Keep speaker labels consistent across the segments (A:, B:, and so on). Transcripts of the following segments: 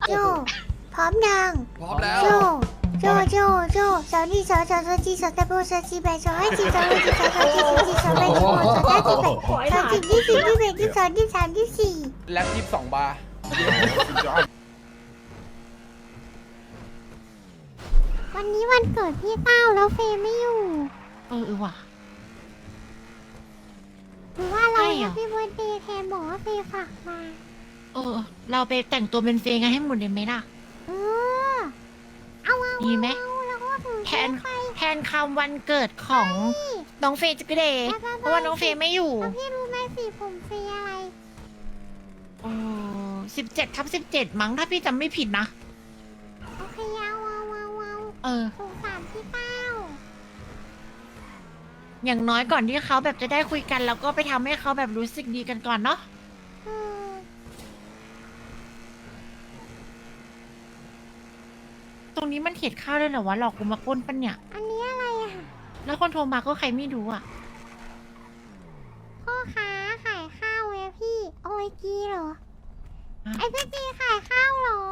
A: โจพร้อมยัง
B: พร้อมแล้ว
A: โจสาวนี่สาวจีสาวตะโบสาวจีแบสาวให้จีสาวให้จีสาวจีสาวแบสาวสาวจีแบสาวจีที่สี่ที่แบที่สองที่สามที่สี่
B: แล็บ22 บาร์
A: วันนี้วันเกิดพี่เต้าแล้วเฟย์ไม่อยู่
C: ว่ะ
A: หรือว่าเรา
C: ใช่เหรอ
A: พี่เบิร์ดเดย์แทนบอกว่าเฟย์ฝากมา
C: เราไปแต่งตัวเป็นเฟย์กันให้หมดเลยไหมล่ะ
A: เออเอา
C: ดีไหม
A: แล้วก็ถือ
C: แทนคำวันเกิดของน้องเฟย์จิกเดย์เพราะว่าน้องเฟย์ไม่อยู่
A: แล้วพี่รู้ไหมสีผมเฟย์อะไร
C: 17/17มั้งถ้าพี่จำไม่ผิดนะ
A: โอเคเอาสงสารพี่เต้า
C: อย่างน้อยก่อนที่เขาแบบจะได้คุยกัน แล้วก็ไปทำให้เขาแบบรู้สึกดีกันก่อนเนาะ
A: เออ
C: ตรงนี้มันเห็ดข้าวด้วยเหรอวะหลอกกูมาปล้นปะเนี่ย
A: อันนี้อะไรอ่ะ
C: แล้วคนโทรมาก็ใครไม่รู้อ่ะ
A: พ่อค้าขายข้าวเว้ยพี่ โอ้ยกีเหรอ
C: ฮะ
A: ไอ้พี่กีขายข้าวเหรอ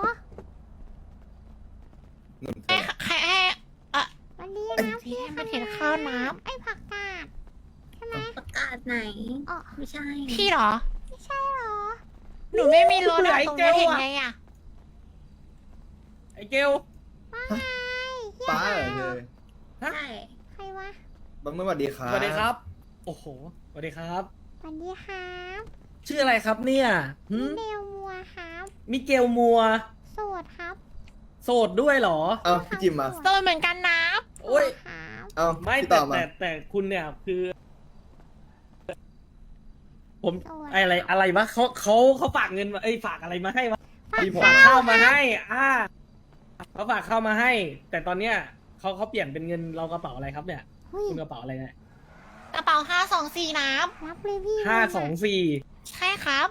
C: ให้อ่ะ
A: วันนี้
C: ไอ้
A: นะพี่
C: ให้มันเห็นข้าวน้ำ
A: ไอ้ผักกาดใช่ไหม
D: ประกาศไหน
A: อ๋อ
D: ไม่ใช่
C: พี่เหรอ
A: ไม่ใช่เหรอ
C: หนูไม่มีรถ
B: ไหน
C: อะตรงนี้
B: เกล
C: เห็น
B: อะ
C: ไงอ่ะ
B: ไอ้เกล
A: ว่าไงเฮีย
E: ป้าเหรอเธอ
D: ใช่
A: ใครวะ
E: บังไม่สวัสดีครับ
B: สวัสดีครับ โอ้โห สวัสดีครับ
A: สวัสดีครับ
B: ชื่ออะไรครับเนี่ยหึ
A: เดลมัวครับ
B: มิเกลมัว
A: โสดครับ
B: โสดด้วยเหรอ
E: เอาพี่จิมมา
C: โดนเหมือนกันนะ
B: โอ้ย
A: ครับ
E: เอา
B: ไม่
E: พี่
B: แต่
E: ต่อมา
B: แต่คุณเนี่ยคือ ผม
A: โสด
B: อะไรวะเขาฝากเงินมาฝากอะไรมาให้วะ
E: พี่ผม
B: ฝากข้าวมาให้เขาฝากข้าวมาให้ แต่ตอนเนี้ยเขาเปลี่ยนเป็นเงินเรากระเป๋าอะไรครับเนี่ย
A: เฮ้ย
B: คุณกระเป๋าอะไรเนี่ย
C: กระเป๋า524น้
A: รับเลยพี่
B: 524
C: ำใช่ครับ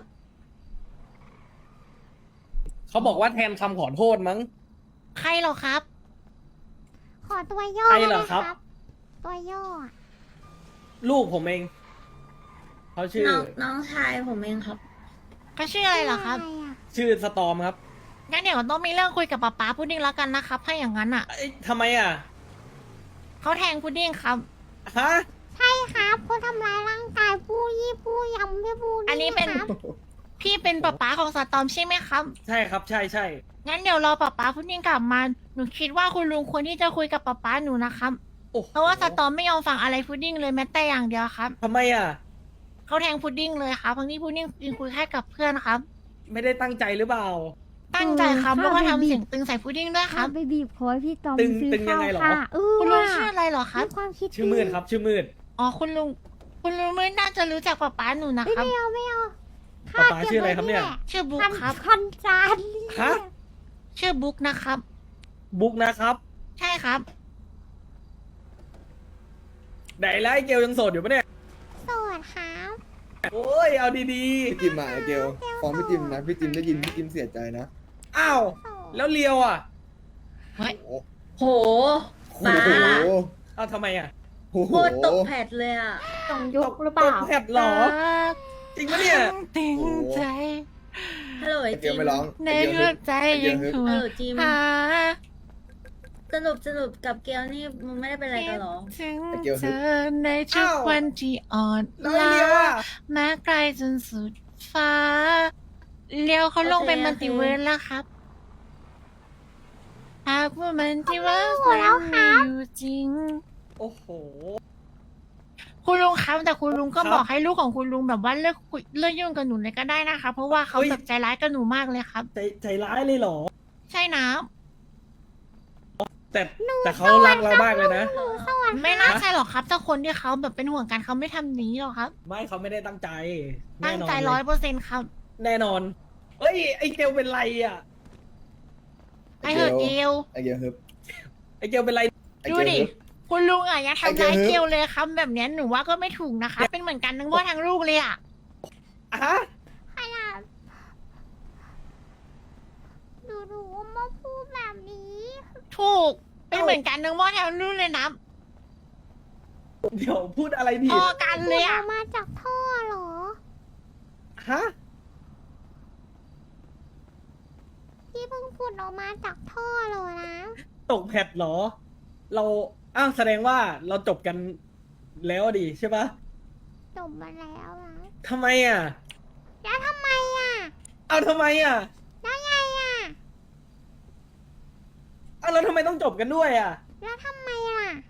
B: เขาบอกว่าแทนคำขอโทษมั้ง
C: ใครเหรอครับ
A: ขอตัวย่อ
B: ใคร
A: ได้
B: เหร
A: ไหม
B: อ
A: ค
B: ครั
A: รับ บ ตัวย่ออะ
B: ลูกผมเอง เขาชื่อ
D: น้องชายผมเองครับ
C: เขาชื่ออะไรเหรอครับ
A: ะไอะ
B: ชื่อสตอมครับ
C: งั้นเดี๋ยวต้องมีเรื่องคุยกับป๊าป๊าพุดดิ้งแล้วกันนะครับ ถ้าอย่างนั้นอ่ะ
B: ทำไมอ่ะ
C: เขาแทงพุดดิ้งครับ
B: ฮะ
A: ใช่ครับเขาทำร้ายร่างกายผู้ยี่ผู้ยำพี่ผู้
C: อันนี้เป็น
A: ครับ
C: พี่เป็นป๊าป๊าของสตอมใช่ไหมครับ
B: ใช่ครับ ใช่ใช่
C: งั้นเดี๋ยวรอป๊าป๊าพุดดิ้งกลับมา หนูคิดว่าคุณลุงควรที่จะคุยกับป๊าป๊าหนูนะครับ
B: โอ้โห
C: เพราะว่าสตอมไม่ยอมฟังอะไรพุดดิ้งเลยแม้แต่อย่างเดียวครับ
B: ทำไมอ่ะ
C: เขาแทงพุดดิ้งเลยครับทั้งที่พุดดิ้งยืนคุยแค่กับเพื่อนครับ
B: ไม่ได้ตั้งใจหรือเปล่า
C: ตั้งใจครับแล้วก็ทำเสียงตึงใส่พุดดิ้งด้วยครับ
A: ไปบีบคอพี่ตอม
B: ตึง
A: ซื้อ
B: ตึงยั
A: ข้าง ว
B: ไงเหรอ
A: ค่ะ
C: คุณลุง
A: ว่ะ
C: ชื่ออะไรเหรอครับ
A: มีความคิด
B: ชื่อมืดครับ ชื่อมืด
C: อ๋อคุณลุงไม่น่าจะรู้จักป๊าป๊าหนูนะ
A: เอ้ย
C: ครับ
A: ไม่เอา
B: ป๊าป๊าชื่ออะไรครับเนี่ย
C: ชื่อบุ๊กครับ
A: คอนจาน
B: ฮะ
C: ชื่อบุ๊กนะครับ
B: บุ๊กนะครับ
C: ใช่ครับ
B: ไหนแล้วไอ้เกลยังโสดอยู่ปะเนี่ย
A: โสดครับ
B: โอ้ย เอาดี
E: พี่จิมมาไอเกลฟ้องพี่จิมนะพี่จิมได้ยินพี่จิมเสียใจนะ
B: ๆ อ้าว
A: โสด
B: แล้วเลียวอ่ะ
C: เฮ้ย
E: โอ้
D: โห
E: โห
D: ป้า
B: เอาทำไมอ่ะ
E: โอ้โห
D: โคตรตกแผดเลยอ่ะ
A: ต้องยุกหรือเปล่า
B: ตกแผดเหรอ จริงปะเนี่ย
C: ตึงใจ
D: ฮัลโหล
E: ไอ
D: ไอ
E: เก
D: จิ
E: ล
D: ม
E: ไม่ร้อง
C: ใน
E: ไอเกล
C: หัวใจยังห่ว
D: ฮัล
C: ง
D: โหลจิม
C: หา
D: สรุปกับเกลนี่มึงไม่ได้เป็นอะไรกันเหรอ
C: ถึง
E: ไอ้เกียว
C: เธอในทุกวันที่อ่อน
B: แล้วไอ้เลียวอ่ะ
C: แม้ไกลจนสุดฟ้าเลี้ยวเขาลงไปมัลติเวิร์สแล้วครับหากว่ามันที่ว่า
A: เขาไม่อยู่แล้วครั
C: มี
A: บ
C: อยู่จริง
B: โอ้โห
C: คุณลุงครับแต่คุณลุงก็
B: ครับ
C: บอกให้ลูกของคุณลุงแบบว่าเลิกคุยเลิกยุ่งกับหนูเลยก็ได้นะคะ เพราะว่าเขา
B: เฮ้ย
C: แบบใจร้ายกับหนูมากเลยครับ
B: ใจร้ายเลยเหรอ
C: ใช่นะ
B: แต่เขารักเรามากเลยนะ
A: สวัสดี
C: ไม่น่าใช่หรอกครับถ้าคนที่เขาแบบเป็นห่วงกันเขาไม่ทำอย่างนี้หรอกครับ
B: ไม่เขาไม่ได้ตั้งใจ
C: ตั้งใจ
B: แน่นนเลย
C: 100%ครับ
B: แน่นอน เฮ้ย ไอ้เกลเป็นไรอ่ะ
C: ไอเหอะเกล
E: ไอเกลฮึบ
B: ไอ้เกลเป็นไร
E: ไอ
C: ดู
E: เกล
C: ดิ
E: ฮึบ
C: คุณลุงอ่ะยังทำร้าย
E: ไอ้เกล
C: เกลเลยครับแบบเนี้ยหนูว่าก็ไม่ถูกนะคะ เป็นเหมือนกันทั้งพ่อทั้งลูกเลยอ่ะ
B: ฮะ
A: ขนาดดูมาพูดแบบนี้
C: ถูก เป็นเหมือนกันทั้งพ่อทั้งลูกเลยนะ
B: เดี๋ยวพูดอะไรผิ
C: พ
B: ด
C: อกันเลยอ่ะ
A: มาจากท่อเหรอ
B: ฮะ
A: พี่เพิ่งขุดออกมาจากท่อเลยนะ
B: ตกแพทเหรอ เราอ้าวแสดงว่าเราจบกันแล้วดิใช่ปะ
A: จบมาแล้วนะ
B: ทำไมอ่ะ
A: แล้วทำไมอ่ะ
B: เอาทำไมอ่ะ
A: แล้วไงอ่ะ
B: เอาแล้วทำไมต้องจบกันด้วยอ่ะ
A: แล้วทำไมล่ะ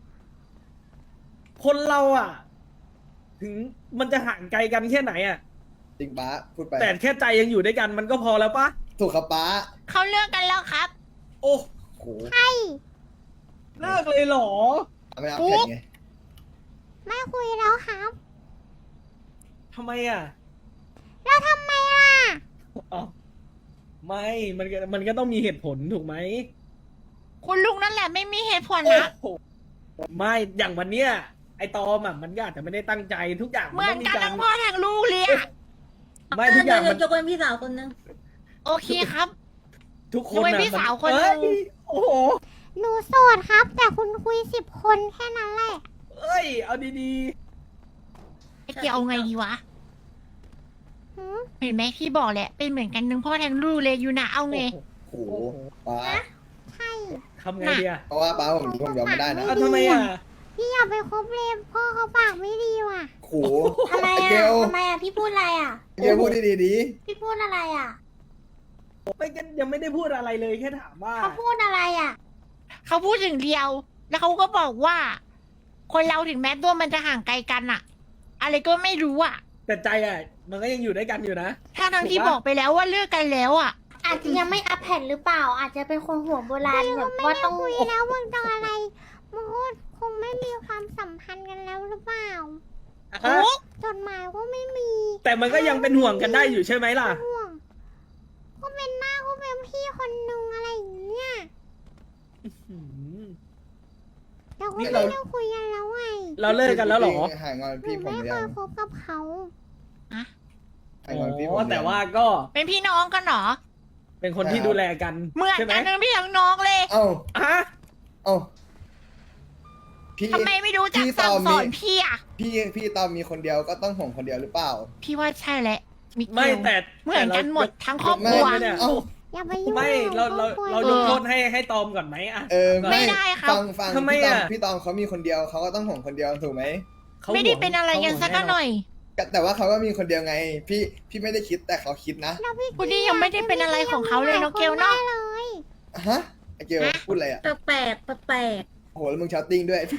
B: คนเราอ่ะ ถึงมันจะห่างไกลกันแค่ไหนอ่ะ
E: จริงป้าพูดไป
B: แต่แค่ใจยังอยู่ด้วยกันมันก็พอแล้วปะ
E: ถูกครับป้า
C: เขาเลิกกันแล้วครับ
B: โอ้
E: โห
A: ใช่
B: เลิกเลยเหรอ
E: ไม่เอาแข่งไง
A: ไม่คุยแล้วครับ
B: ทำไมอ่ะ
A: แล้วทำไมล่ะ
B: อ๋อไม่มันก็ต้องมีเหตุผลถูกไหม
C: คุณลุงนั่นแหละไม่มีเหตุผล
B: โอ้
C: นะ
B: โหไม่อย่างวันเนี้ยไอตอมอ่ะมันก็อาจจะไม่ได้ตั้งใจทุกอย่าง
C: เหมือน
B: ต้องมี
C: กัน
B: การ
C: ทั้งพ่อทั้งลูกเลยอะ
B: ไม่ทุกอย่างมัน
D: ยกเว้นพี่สาวคนนึง
C: โอเคครับ
B: ทุกคน
C: ยกเว้น
B: น่ะ
C: พี่สาว
B: มั
C: คนหนึ่ง
B: เอ้ยโอ้โห
A: หนูโสดครับ แต่คุณคุย10 คนแค่นั้นแหละ
B: เอ้ยเอาดี
C: ไอ้เกียวเอาไงดีวะ
A: หืม
C: เห็นไหมพี่บอกแหละเป็นเหมือนกันทั้งพ่อทั้งลูกเลยอยู่นะเอา
B: ๆ
C: ไง
B: โอ้โห
E: โอ้โหป้า
A: ใช่
B: ทำไงดีอ่ะ
E: เพราะว่าป้าผมยอมไม่ได้นะ
B: เอาทำไมอ่ะ
A: พี่อย่าไปคบเลยพ่อเขาปากไม่ดีว่ะ
E: โอ้โห
F: ทำไม
E: ไอเก
F: อ่ะ
E: ล
F: ทำไมอ่ะ พี่พูดอะไรอ่ะ
E: ไอเกลพูดดีๆดี
F: พี่พูดอะไรอ่ะ
B: ไม่กันยังไม่ได้พูดอะไรเลยแค่ถามว่า
F: เขาพูดอะไรอ่ะ
C: เขาพูดถึงเดียว แล้วเขาก็บอกว่า คนเราถึงแม้ตัวมันจะห่างไกลกันอะอะไรก็ไม่รู้อะ
B: แต่ใจอ่ะ มันก็ยังอยู่ด้วยกันอยู่นะ
C: ทั้งที่
B: ถูกปะ
C: บอกไปแล้วว่าเลิกกันแล้วอะ
F: อาจจะยังไม่อัพแผ่นหรือเปล่า อาจจะเป็นคนหัวโบราณแบบว่าต้อง
A: คุยแล้วมึงต้องอะไรมึงก็คงไม่มีความสัมพันธ์กันแล้วหรือเปล่า
B: ฮะ
A: จดหมายก็ไม่มี
B: แต่มันก็ยังเป็นห่วงกันได้อยู่ใช่ไหมล่ะ
A: ห่วงก็เป็นหน้าก็เป็นพี่คนนึงอะไรอย่างเงี้ย
B: อืม
A: แต่ก็ไม่ได้คุยกันแล้วไง
B: เราเลิกกันแล้วเหรอ
E: หายงอน
A: หนู
E: พี่ผม
A: ไม่
E: หรือ
A: เค
E: ยั
A: ย
E: ง
A: คบกับเขา
E: หายงอนพี่ผม
B: อ๋อ
E: หรือยัง
B: แต่ว่าก็
C: เป็นพี่น้องกันเหรอ
B: เป็นคนที่ดูแลกัน
C: เหมือน
B: ใช่ไหม
C: กันทั้งพี่ทั้งน้องเลย
E: เอ้า
B: ฮะ
E: เอ้าพี่
C: ทำไมไม่รู้จัก
E: พี่
C: สั่ง
E: ตอม
C: สอน
E: มี
C: พี่อะ
E: พี่ตอนมีคนเดียวก็ต้องห่วงคนเดียวหรือเปล่า
C: พี่ว่าใช่แหละมิเกล
B: ไม่แต่
C: เหมือนกันหมดทั้งครอบค
E: ไม่
C: รัว
B: เนี่ย
E: เอ้า
A: อย่าไปยุ่ง
B: ไม่เรา
A: กับครอบครัว
B: เรายกโทษให้ตอมก่อนไหมอ่ะ
C: ไม่ได้ครับ
E: ฟัง
B: ทำไม
E: พี่ตอม
B: อะ
E: เขามีคนเดียวเขาก็ต้องห่วงคนเดียวถูกไหม
B: ขา
C: ไม่ได้
B: ห่วง
C: เป็นอะไรกันสักหน่อย
E: แต่ว่าเขาก็มีคนเดียวไง พี่ไม่ได้คิดแต่เขาคิดนะ
A: แล้วพี่
C: คุณนี่ยังไม่ได้เป็นอะไรของเขาเลยน้องเกลเนาะ
A: ได้เลย
E: ฮะไอเกลพูดอะไรอ่ะ
D: แปลกแปลก
E: โอ้โหแล้วมึงชาวติ้งด้วย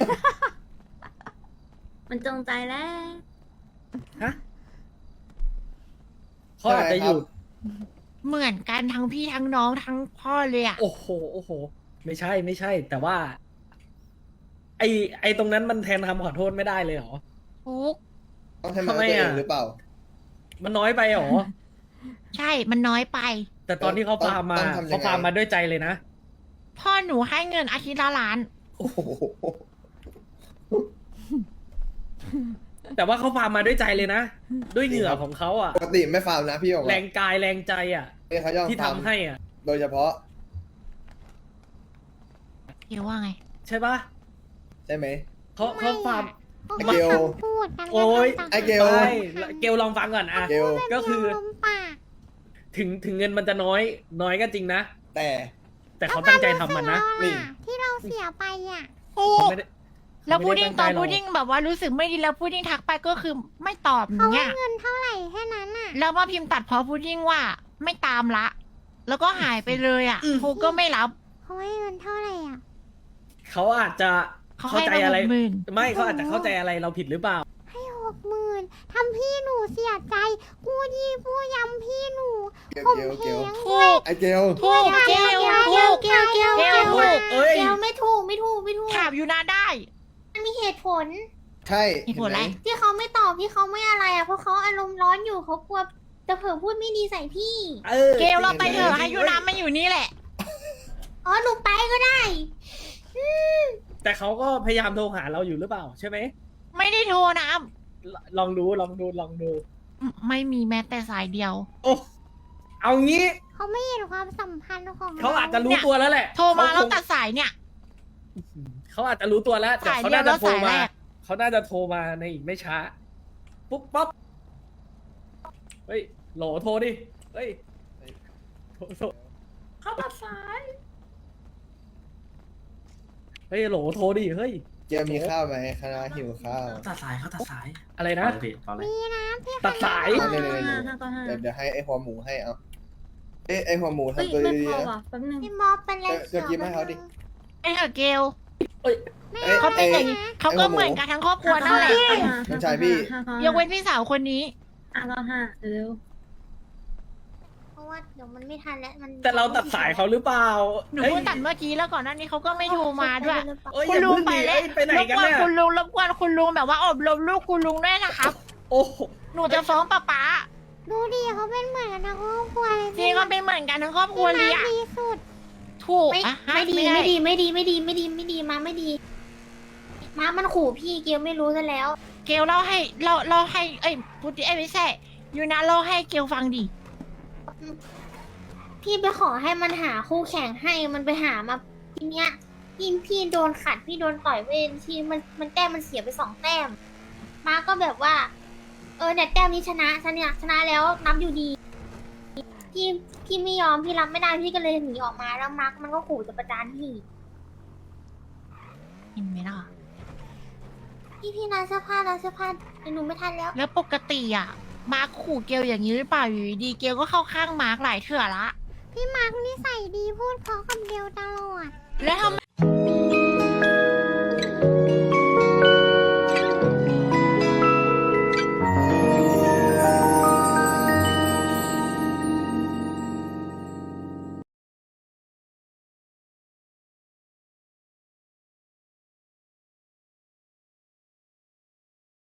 D: มันจงใจแล้ว
B: ฮะเขาอาจจะอยู่
C: เหมือนกันทั้งพี่ทั้งน้องทั้งพ่อเลยอะ
B: โอ้โห โอ้โห ไม่ใช่ แต่ว่า ไอตรงนั้นมันแทนคำขอโทษไม่ได้เลยเหรอ
C: ฟุก
E: ต้องให้มัน
B: ทำไม
E: ตัวเอ
B: อะ
E: งหรือเปล่า
B: มันน้อยไปเหรอ
C: ใช่ มันน้อยไป
B: แต่ตอนที่เขาฟาร์มมา
E: ต้องทำยังไง
B: เขาฟาร์มมาด้วยใจเลยนะ
C: พ่อหนูให้เงินอาทิตย์ละล้าน
E: โอ้โห
B: แต่ว่าเขาฟาร์มมาด้วยใจเลยนะ ด้วยเหงื่อของเขาอ่ะ
E: ปกติไม่ฟาร์มนะพี่บอก
B: แร
E: ว่าง
B: กายแรงใจอ่ะ
E: เนี่ยเขายอม
B: ที่
E: ฟาร์ม
B: ทำให้อ่ะ
E: โดยเฉพาะ
C: เดี๋ยวว่าไง
B: ใช่ปะ
E: ใช่ไหม
B: เขาฟาร์ม
A: พวก
E: ไอ้เกล
A: คำพูดกัน
B: โอ๊ย
E: ไอ้เกล
B: ใช่เกลลองฟังก่อนอ่ะ
E: เกล
B: ก็คือ
A: ลมปาก
B: ถึงเงินมันจะน้อยก็จริงนะ
E: แต่
B: แต่เขาตั้งใจทำมันนะ
E: นี่
A: ที่เราเสียไปอ่ะ
B: เขาไม่ได้
C: แล้ว
B: เขา
C: พูด
B: ไม่
C: ดิ้ง
B: ไตั้
C: ตอน
B: ใจหร
C: พู
B: ก
C: ดดิ้งแบบว่ารู้สึกไม่ดีแล้วพูดดิ้งทักไปก็คือไม่ตอบ
A: เขา
C: เนี่
A: ให้
C: ย
A: เงินเท่าไหร่แค่นั้นอ่ะ
C: แล้วมาพิมพ์ตัดพอพูดดิ้งว่าไม่ตามละ แล้วก็หายไปเลยอ่ะโทรก็ไม่รับ
A: เขาให้เงินเท่าไหร่อ่ะ
B: เขาอาจจะ
C: เขา
B: เข้า
C: ให้
B: ใจ
C: มา
B: อะไร
C: 60,000
B: ไม่เขาอาจจะเข้าใจอะไรเราผิดหรือเปล่า
A: ให้60,000ทำพี่หนูเสียใจกูยี่ผู้ยำพี่หนู
E: เกล
A: ผม
E: เกล
A: เพ
E: เก
A: ล
E: ล
A: ง
C: ถูก
E: ไอเกล
C: ถูกเกลถูก
F: เกลเกล
C: เกลถูก
B: เอ้ย
F: เกลไม่ถูกไม่ถูกไม่ถูก
C: ถามอยู่นาได้
F: มันมีเหตุผล
E: ใช่
C: มีผลอะไร
E: เห็นหม
F: ที่เขาไม่ตอบที่เขาไม่อะไรอ่ะเพราะเขาอารมณ์ร้อนอยู่เขากลัวจะเผลอพูดไม่ดีใส่พี่
B: เออ
C: เกลเราไปเถอะให้ยูนามาอยู่นี่แหละ
F: อ๋อหนูไปก็ได้
B: แต่เขาก็พยายามโทรหาเราอยู่หรือเปล่าใช่ไหม
C: ไม่ได้โทรนะ
B: ลองดู
C: ไม่มีแม้แต่สายเดียว
B: โอ้เอางี้
A: เขาไม่เห็นความสัมพันธ์ของ
B: เขาอาจจะรู้ตัวแล้วแหละ
C: โทรมาแล้ว
B: เขคง
C: ตัดสายเนี่ย
B: เขาอาจจะรู้ตัวแล้วแต่
C: สาย
B: เขา
C: เดียว
B: น่าจะโทร
C: แล้วสาย
B: มา
C: แรก
B: เขาน่าจะโทรมาในอีกไม่ช้าปุ๊บปั๊บเฮ้ยโหลโทรดิเฮ้ยโทรเฮ้ยโหลโทรดิเฮ้ย
E: เกลมีข้าวไหมคณะหิวข้าว
G: ตัดสายเขาตัดสาย
B: อะไรนะ
G: เอาเลยพี่เอาเลย
A: มีนะพี่
B: ตัดสาย
E: เอาเลย
D: 595
E: เดี๋ยวให้ไอ้หัวหมูให้เอาไอ้หัวหมู
D: เฮ้ย
E: ทำตัว
D: ไม่
E: ดี
D: พอ
E: ๆนะ
D: ว่ะแป๊บนึง
A: พี่มอเป็นอะไร
E: จะกินให้เขาดิ
C: ไอ้เหอะเกล
E: เขาเป็นอย่าง
C: เขาก็เหมือนกันทั้งครอบครัวนั่นแหละ
E: น้องชายพี่
C: ยกเว้นพี่สาวคนนี้
D: 595เร็ว
A: เพราะว่าเดี๋ยวมันไม่ทันแล้วมัน
B: แต่เราตัดสายเขาหรือเปล่า
C: หนูเพิ่งตัดเมื่อกี้แล้วก่อนหน้านี้เขาก็ไม่โทรมาด้วย
B: เอ้ย
C: คุ
B: อ
C: ณ
B: ย่า
C: ลุง
B: เพิ่ง
C: ไป
B: ดิ
C: แล้ว
B: เอ้ยไปไหน
C: รบ
B: กัน
C: กวน
B: น่ะ
C: คุณลุงรบกวนคุณลุงแบบว่าอบรมลูกคุณลุงด้วยนะครับ
B: โอ้โห
C: หนูจะฟ้องป๊า
A: ดูดิเขาเป็นเหมือนกันทั้งครอบครัวเลย
C: จริงก็เป็นเหมือนกันทั้งครอบครัวเลย
A: พี่
C: อะ
A: มาดีสุด
C: ถูก
F: ไม่
C: อะฮะ
F: ไม่ดี
C: ด้
F: ไม่ดีไม่ดีไม่ดีไม่ดีไม่ดีมาไม่ดี มามันขู่พี่เกียวไม่รู้ซะแล้ว
C: เกลเล่าให้เล่าให้เอ้ยพูดไม่ใช่ยูนะเล่าให้เกลฟังดิ
F: พี่ไปขอให้มันหาคู่แข่งให้มันไปหามาทีเนี้ยพี่โดนขัดพี่โดนต่อยเวนทีมันแต้มมันเสียไป2 แต้ม มาก็แบบว่า เนี่ยแต้มนี้ชนะฉันเนี่ยชนะแล้วนับอยู่ดี พี่ไม่ยอมพี่รับไม่ได้พี่ก็เลยหนีออกมาแล้วมาร์กมันก็ขู่จะประจานพี่
C: เห็นไหมล่ะ
F: พี่ร้านเสื้อผ้าเดี๋ยวหนูไม่ทันแล้ว
C: แล้วปกติอะมาร์คขู่เกลอย่างนี้หรือเปล่าอยู่ดีๆเกลก็เข้าข้างมาร์คหลายเถื่อละ
A: พี่มาร์คนิสัยดีพูดเพราะกับเดียวตลอด
C: แล้วทำไม